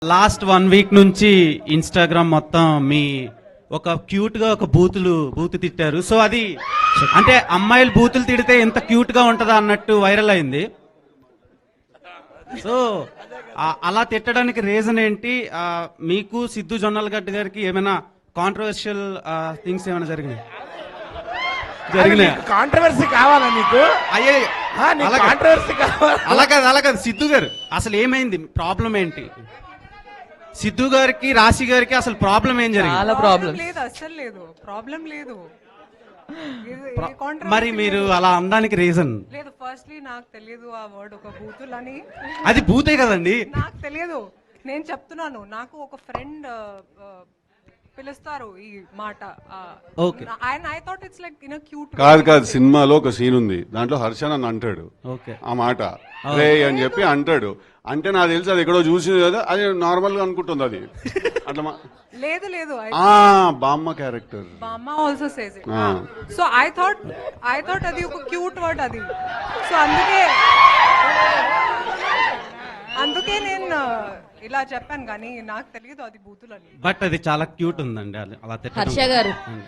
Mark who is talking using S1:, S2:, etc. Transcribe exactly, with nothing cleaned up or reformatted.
S1: Last one week నుంచి Instagram మొత్తం మీ ఒక క్యూట్ గా ఒక బూతులు బూతు తిట్టారు. సో అది అంటే అమ్మాయిలు బూతులు తిడితే ఎంత క్యూట్ గా ఉంటుందా అన్నట్టు వైరల్ అయింది. సో ఆ- అలా తిట్టడానికి రీజన్ ఏంటి? ఆ, మీకు సిద్ధు జొన్నలగడ్డ గారికి ఏమైనా కాంట్రవర్షియల్ థింగ్స్ ఏమైనా జరిగినాయి జరిగినాయి
S2: కాంట్రవర్సీ కావాలా నీకు?
S1: అయ్యే
S2: ఆ, నీకు కాంట్రవర్సీ కావాలా?
S1: అలా కాదు అలా కాదు సిద్ధు గారు అసలు ఏమైంది, ప్రాబ్లం ఏంటి? సిద్ధు గారికి రాశి గారికి అసలు ప్రాబ్లం ఏం జరిగింది?
S3: చాలా ప్రాబ్లమ్
S4: లేదు, అస్సలు లేదు, ప్రాబ్లం లేదు. ఇది-
S1: ప్ర-
S4: ఇది controversy
S1: మరి మీరు అలా అనడానికి రీజన్?
S4: లేదు. ఫస్ట్లీ నాకు తెలియదు ఆ వర్డ్ ఒక బూతులు అని.
S1: అది భూతే కదండి.
S4: నాకు తెలియదు, నేను చెప్తున్నాను. నాకు ఒక ఫ్రెండ్ పిలుస్తారు ఈ మాట.
S1: Okay.
S4: And I thought it's like in cute.
S5: కాదు కాదు సినిమాలో ఒక సీన్ ఉంది, దాంట్లో హర్ష నన్ను అంటాడు
S1: ఓకే
S5: ఆ మాట రే అని చెప్పి అంటాడు. అంటే నాకు తెలిసి అది ఎక్కడో చూసింది కదా, అది నార్మల్ గా అనుకుంటుంది అది అట్లా మా-
S4: లేదు లేదు,
S5: ఆ బామ్మ క్యారెక్టర్
S4: బామ్మ ఆల్సో సేస్ ఇట్.
S5: ఆ.
S4: So I thought I thought అది ఒక క్యూట్ వర్డ్ అది. సో అందుకే అందుకే నేను ఇలా చెప్పాను, కానీ నాకు తెలియదు అది బూతులని.
S1: బట్ అది చాలా క్యూట్ ఉందండి, అది- అలా తిట్టడం.
S3: హర్ష గారు